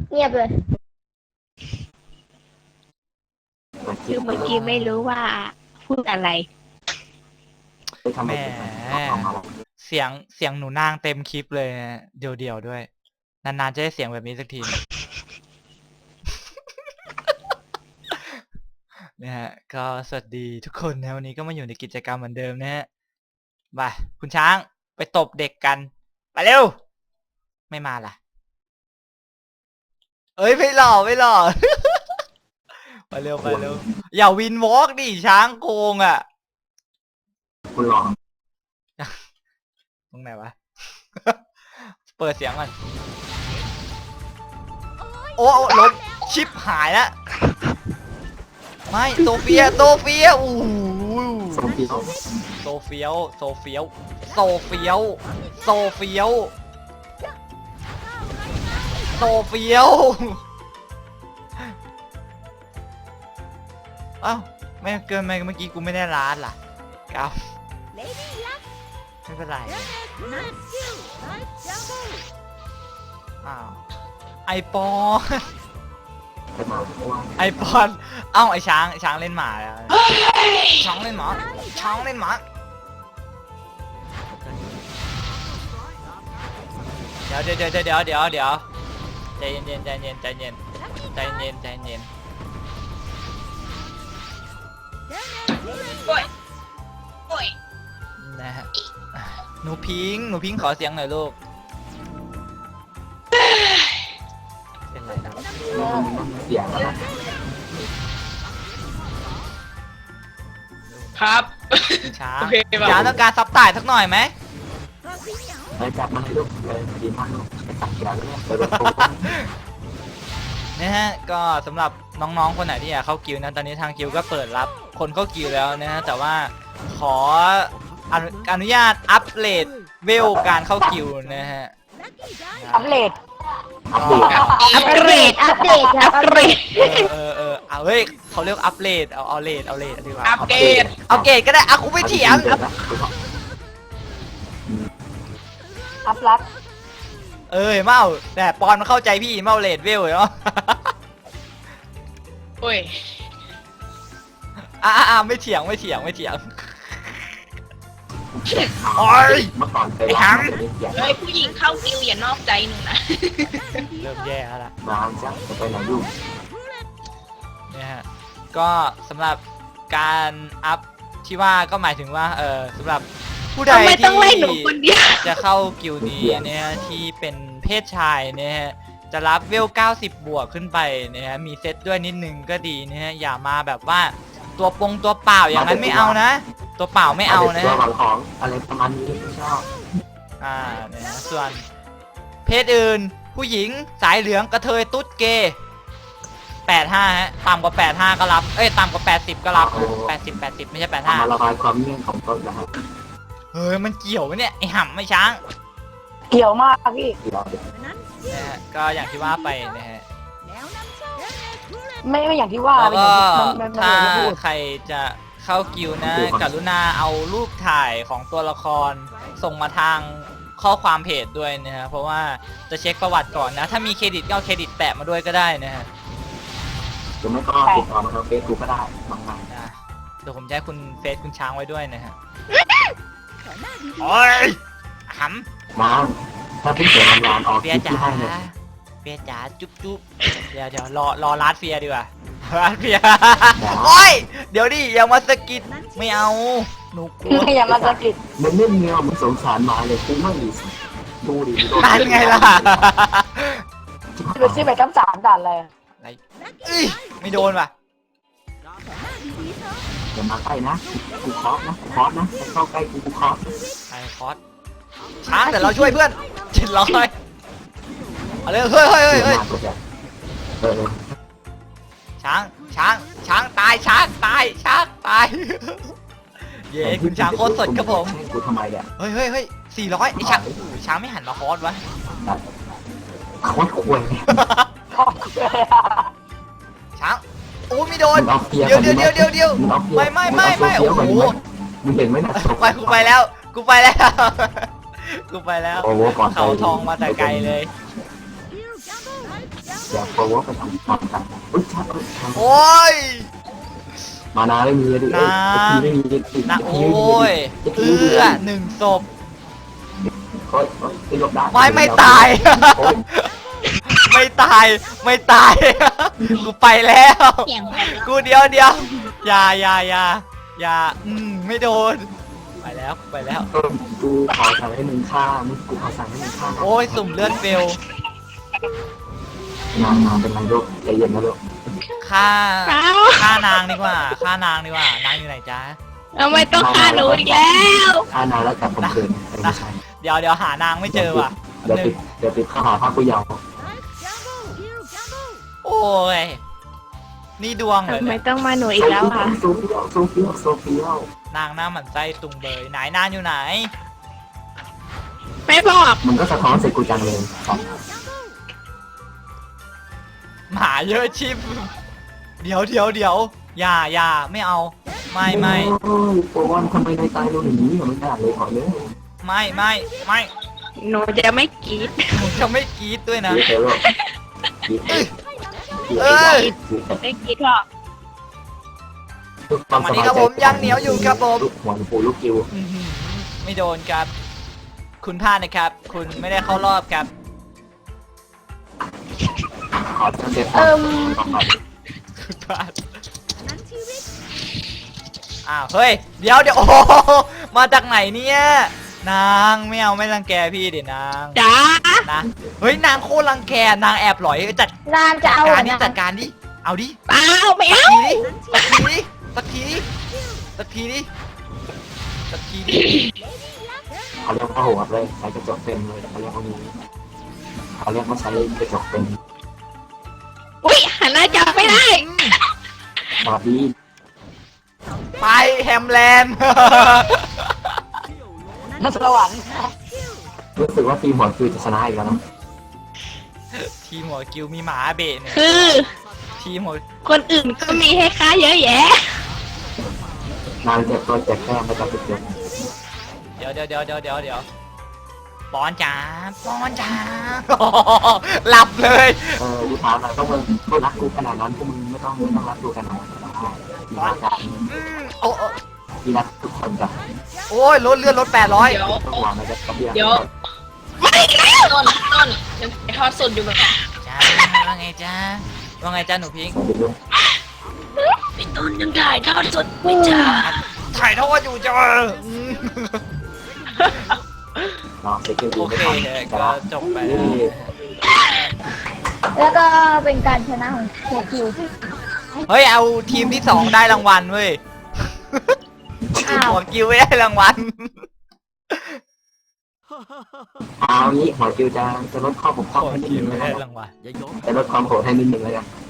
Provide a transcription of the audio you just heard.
เงียบเลยคือเมื่อกี้ไม่รู้ว่าพูดอะไรแหมเสียงหนูนางเต็มคลิปเลยนะเดี่ยวๆด้วยนานๆจะได้เสียงแบบนี้สักทีนะฮะก็สวัสดีทุกคนนะวันนี้ก็มาอยู่ในกิจกรรมเหมือนเดิมนะฮะไปคุณช้างไปตบเด็กกันไปเร็วไม่มาล่ะเอ้ยไม่หล่อไปเร็วอย่าวินวอล์กดิช้างโกงอ่ะคุณลองตรงไหนวะ เปิดเสียงก่อนโอ้ล้มชิปหายแล้วไม่โซเฟียอู้โซเฟียวโซเฟียวอ้าวไม่เกินไปเมื่อกี้กูไม่ได้ร้านล่ะครับไม่เป็นไรอ้าวไอปอนไอช้างเล่นหมาแล้วช้างเล่นหมาเดี๋ยวใจเย็นนะฮะหนูพิงขอเสียงหน่อยลูกเป็นไรครับเสียงนะครับช้างอย่าต้องการซับไต่สักหน่อยไหมไปจับมาให้ลูกเลยดีมากลูกไปตัดยาเลยไปรถโนะฮะก็สำหรับน้องๆคนไหนที่อยากเข้ากิลด์นะตอนนี้ทางกิลด์ก็เปิดรับคนเข้ากิลด์แล้วนะฮะแต่ว่าขออนุญาตอัปเกรดเวลการเข้ากิลด์นะฮะอัปเดตอัปเดตครับอัปเกรดเอาเฮ้ยเขาเรียกอัปเกรดเอาเลดดีกว่าอัปเดตก็ได้อะกูไม่เถียงอัปลักเมาแต่ปอนมันเข้าใจพี่เมาเลดเวลเนาะโอ้ยไม่เถียงโอ้ยเมื่อก่อนเคยร้องเฮ้ยผู้หญิงเข้ากิวอย่านอกใจหนูนะเริ่มแย่แล้วล่ะมาจ้ะจะไปไหนลูกเนี่ยฮะก็สำหรับการอัพที่ว่าก็หมายถึงว่าสำหรับผู้ใดที่จะเข้ากิลด์นี้เนี่ยที่เป็นเพศชายเนี่ยจะรับเวล90บวกขึ้นไปเนี่ยมีเซตด้วยนิดนึงก็ดีเนี่ยอย่ามาแบบว่าตัวเปล่าอย่างนั้นไม่เอานะตัวเปล่าไม่เอานะตัวของอะไรประมาณนี้ไม่ชอบเนี่ยส่วนเพศอื่นผู้หญิงสายเหลืองกระเทยตุ๊ดเกย์85ฮะต่ำกว่า85ก็รับต่ำกว่า80ก็รับ80ไม่ใช่85 มาระบายความเงียบของต้นนะครับเฮ้ยมันเกี่ยวไหมเนี่ยไอห่ำไม่ช้างเกี่ยวมากพี่นะฮะก็อย่างที่ว่าไปนะฮะไม่อย่างที่ว่าแล้วก็ถ้าใครจะเข้ากิลด์นะกรุณาเอารูปถ่ายของตัวละครส่งมาทางข้อความเพจด้วยนะฮะเพราะว่าจะเช็คประวัติก่อนนะถ้ามีเครดิตก็เอาเครดิตแปะมาด้วยก็ได้นะฮะหรือไม่ก็ติดต่อมาทางเฟซบุ๊กก็ได้บางๆนะเดี๋ยวผมจะให้คุณเฟซคุณช้างไว้ด้วยนะฮะโอ้ยหำมาถ้าเพิ่งเสียงานออกเฟียจ๋าจุ๊บเดี๋ยวรอลาดเฟียดีกว่าลาดเฟียโอ้ยเดี๋ยวดิอย่ามาสกิดไม่เอาหนูกลัวอย่ามาสกิดมันไม่เงี้ยมันสงสารมาเลยกูไม่ดีดูดิด่านไงล่ะดูซิไปทั้ง3ด่านเลยไม่โดนว่ะอย่ามาใกล้นะกูคอสนะเข้าใกล้กูคอสไอคอสช้างแต่เราช่วยเพื่อน700เอาเลยเฮ้ยช้างตายเย้คุณช้างโคตรสดครับผมกูทำไมเนี่ยเฮ้ย400ไอช้างไม่หันมาคอสวะคอสควรช้างโอ้ไม่โดนเดี๋ยวไม่โอ้โหมึงเห็นไหมนะกูไปแล้วเขาทองมาแต่ไกลเลยเดี๋ยวโปรโวไปทำกันอุ้ยชัดโอ้ยมานาไม่มีดิไม่มีนะโอ้ยหนึ่งศพก็ยกได้ไม่ตาย ไม่ตายไม่ตาย กูไปแล้วเสียงกูเดียวอย่าไม่โดนไปแล้วไปแล้วกูขอสั่งให้มึงฆ่ามึงกูขอสั่งให้มึงฆ่าโอ้ยสุ่มเลือดเฟลนางเป็นไรลูกใจเย็นนะลูกฆ่าเปล่าฆ่านางดีกว่าฆ่านางดีกว่านางอยู่ไหนจ๊ะทำไมต้องฆ่าหนูอีกแล้วฆ่านางแล้วแต่ผมเกินไม่ใช่เดี๋ยวหานางไม่เจอว่ะเดี๋ยวติดข้อหาภาคผู้เยาว์โอ้ยนี่ดวงเลยทำไมเนี่ยต้องมาหนูอีกแล้วค่ะโซเฟียลนางหน้าหมันไส้ตุงเบยไหนนางอยู่ไหนไม่บอกมันก็สะท้อนใส่กูจังเลยครับหมาเยอะชิบเดี๋ยวอย่าไม่เอาไม่โอ้ยโปรวันทำไมในตายโดนอย่างนี้ไม่ได้เลยขอเลยไม่หนูจะไม่กรีดผมจะไม่กรี๊ดด้วยนะเดี๋ยวลูกไม่กรีดหรอกวันนี้ครับผมยังเหนียวอยู่ครับผมลูกหัวปูลูกกิวอื้อหือไม่โดนครับ คุณพลาดนะครับ คุณไม่ได้เข้ารอบครับขอเจ็บคุณพลาดอ้าวเฮ้ยเดี๋ยวโอ้โหมาจากไหนเนี่ยนางไม่เอาไม่รังแกพี่เดี๋ยวนางจ้านะเฮ้ยนางโคตรรังแกนางแอบหลอยจัดนานจะเอาการดิจัดการดิเอาดิเปล่าไม่เอาสักทีดิเขาเรียกว่าโหดเลยใช้กระจกเต็มเลยเขาเรียกว่านี้เขาเรียกว่าใช้กระจกเต็มอุ้ยหันหน้าจับไม่ได้บาร์บี้ไปแฮมแลนด์นักสวรรค์รู้สึกว่าทีมหัวคือจะชนะอีกแล้วนะทีมหัวกิวมีหมาเบะเนี่ยคือทีมหัวคนอื่นก็มีให้ค่าเยอะแยะนางเจ็บตัวเจ็บแก้มไปกับเจ็บเดี๋ยวปอนจ๋าหลับเลยกูถามหน่อยต้องมึงก็รักกูขนาดนั้นพวกมึงไม่ต้องรักกูขนาดนั้นมีรักกันโอ้มีรักทุกคนจ้ะโอ้ยลดเลือดลด800 ต้องหวังนะจ๊ะกับเบียร์เดี๋ยวไม่แล้ว ต้นยังไปทอดสดอยู่แบบจ้าว่าไงจ้าหนูพิงค์พี่ต้นยังถ่ายทอดสดไม่จ้าถ่ายทอดอยู่จ้าเนาะเซ็กซ์ดีโอไม่เคทันก็จบไปแล้วแล้วก็เป็นการชนะของเทคิวเฮ้ยเอาทีมที่2ได้รางวัลเว้ยอ้าวหัวกิวไม่ได้รางวัลเอางี้หัวคิวจะลดข้อผมข้อให้นิดนึงไม่นะคได้รับรางวัลจะลดความโหดให้นิดนึงแล้วกัน